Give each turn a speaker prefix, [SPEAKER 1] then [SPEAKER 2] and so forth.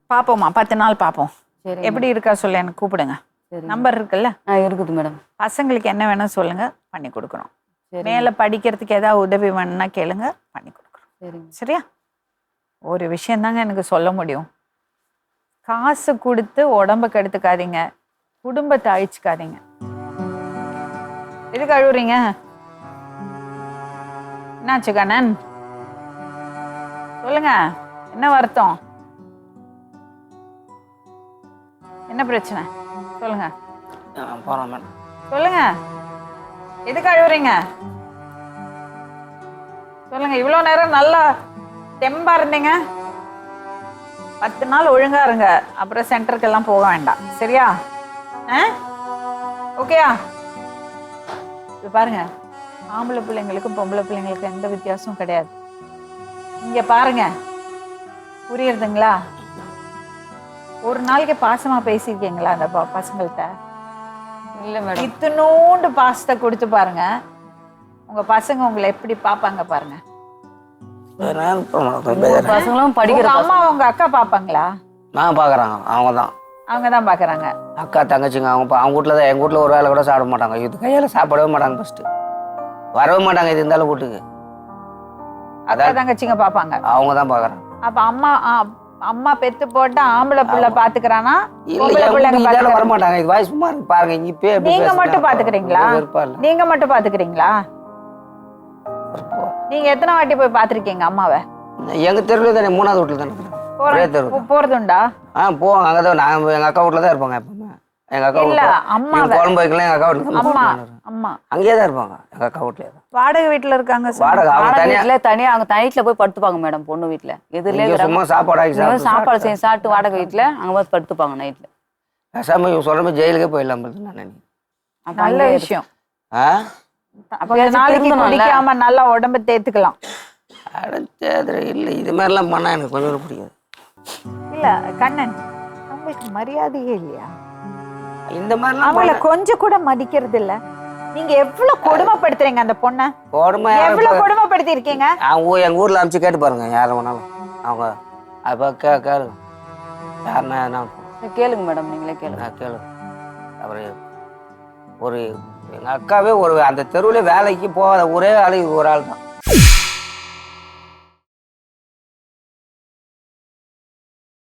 [SPEAKER 1] பார்ப்போம்மா 10 நாள் பார்ப்போம்.
[SPEAKER 2] சரி.
[SPEAKER 1] எப்படி இருக்கா சொல்ல எனக்கு கூப்பிடுங்க. நம்பர் இருக்குல்ல?
[SPEAKER 2] இருக்குது மேடம்.
[SPEAKER 1] பசங்களுக்கு என்ன வேணும் சொல்லுங்க, பண்ணி கொடுக்குறோம். மேலே படிக்கிறதுக்கு ஏதாவது உதவி வேணும்னா கேளுங்க, பண்ணி கொடுக்குறோம்.
[SPEAKER 2] சரிங்க.
[SPEAKER 1] சரியா? ஒரு விஷயந்தாங்க எனக்கு சொல்ல முடியும். காசு கொடுத்து உடம்ப கெடுத்துக்காதீங்க, குடும்பத்தை அழிச்சுக்காதீங்க. எதுக்கு அழுவுறீங்க? என்னாச்சு கண்ணன்? சொல்லுங்க, என்ன வருத்தம்? என்ன பிரச்சனை சொல்லுங்க.
[SPEAKER 3] போகிறோம் மேடம்.
[SPEAKER 1] சொல்லுங்க, எதுக்கு அழுவுறீங்க சொல்லுங்க. இவ்வளோ நேரம் நல்லா தெம்பா இருந்தீங்க. 10 நாள் ஒழுங்கா இருங்க, அப்புறம் சென்டருக்கெல்லாம் போக வேண்டாம். சரியா? ஓகேயா? இது பாருங்க, ஆம்பளை பிள்ளைங்களுக்கும் பொம்பளை பிள்ளைங்களுக்கும் எந்த வித்தியாசமும் கிடையாது. இங்க பாருங்க, புரியுறதுங்களா? ஒரு நாளைக்கு பாசமா பேசியிருக்கீங்களா அந்த பசங்கள்கிட்ட?
[SPEAKER 2] இல்ல மேடம்.
[SPEAKER 1] இத்தனோண்டு பாசத்தை கொடுத்து பாருங்க, உங்க பசங்க உங்களை எப்படி பாப்பாங்க பாருங்க.
[SPEAKER 2] பசங்களும் படிக்கிற
[SPEAKER 1] அம்மா உங்க அக்கா பாப்பாங்களா?
[SPEAKER 3] நான் பாக்குறாங்க, அவங்க தான்.
[SPEAKER 1] அவங்க தான் பாக்குறாங்க.
[SPEAKER 3] அக்கா தங்கச்சிங்க அவங்க வீட்டில் தான். எங்கள் வீட்டில் ஒரு வேலை கூட சாப்பிட மாட்டாங்க. இது கையால் சாப்பிடவே மாட்டாங்க. ஃபர்ஸ்ட் வரவே மாட்டாங்க. இது இருந்தாலும் வீட்டுக்கு
[SPEAKER 1] அக்கா தங்கச்சிங்க பாப்பாங்க.
[SPEAKER 3] அவங்க தான் பாக்குறாங்க.
[SPEAKER 1] அப்ப அம்மா பெத்து போட்டு ஆம்பளை பிள்ளை பாத்துக்கிறானா?
[SPEAKER 3] வர மாட்டாங்க. இது வாய் சும்மா இருக்கு பாருங்க. இப்ப
[SPEAKER 1] நீங்க மட்டும் பாத்துக்கிறீங்களா? நீங்க மட்டும் பாத்துக்கிறீங்களா? நீங்க எத்தனை வாட்டி போய் பாத்திருக்கீங்க அம்மாவை?
[SPEAKER 3] எங்க தெருவுல தானே, 3வது வீட்டுல தானே
[SPEAKER 1] போறதுண்டா?
[SPEAKER 3] போவாங்க. அங்கதான் நாங்க எங்க அக்கா வீட்டுல தான் இருப்பாங்க. எப்பவுமே எங்க அக்கா
[SPEAKER 1] இல்ல அம்மா
[SPEAKER 3] குழம்பு வைக்கலாம். எங்க அக்கா வீட்டுல
[SPEAKER 1] அம்மா அம்மா
[SPEAKER 3] அங்கேயே தான் இருப்பாங்க. எங்க அக்கா வீட்டுல
[SPEAKER 1] வாடகை வீட்டுல இருக்காங்க.
[SPEAKER 2] வாடகை தனியா அங்க நைட்ல போய் படுத்துப்பாங்க மேடம். பொண்ணு வீட்டுல எதுல
[SPEAKER 3] சும்மா
[SPEAKER 2] சாப்பாடு செஞ்சு சாப்பிட்டு வாடகை வீட்டுல அங்க போய் படுத்துப்பாங்க நைட்ல.
[SPEAKER 3] பேசாம சொல்ற மாதிரி ஜெயிலுக்கே போயிடலாம் நான்.
[SPEAKER 1] நல்ல விஷயம். குடிக்காம நல்லா உடம்ப தேத்துக்கலாம்.
[SPEAKER 3] இல்ல இது மாதிரிலாம் பண்ணா எனக்கு கொஞ்சம் பிடிக்காது.
[SPEAKER 1] இல்ல கண்ணன், உங்களுக்கு மரியாதையே இல்லையா?
[SPEAKER 3] இந்த மாதிரி
[SPEAKER 1] அவங்கள கொஞ்சம் கூட மதிக்கிறது இல்ல. நீங்க எவ்வளவு கொடுமைப்படுத்துறீங்க அந்த பொண்ணை. எவ்வளவு கொடுமைப்படுத்தி இருக்கீங்க.
[SPEAKER 3] எங்க ஊர்ல அனுப்பிச்சு கேட்டு பாருங்க, யாரும் வேணாலும். அவங்க அப்ப கேளுங்க, யாருன்னா
[SPEAKER 2] கேளுங்க மேடம். நீங்களே கேளுங்க.
[SPEAKER 3] கேளுங்க. அப்புறம் ஒரு எங்க அக்காவே ஒரு அந்த தெருவுல வேலைக்கு போகாத ஒரே ஆளு ஒரு ஆள் தான்.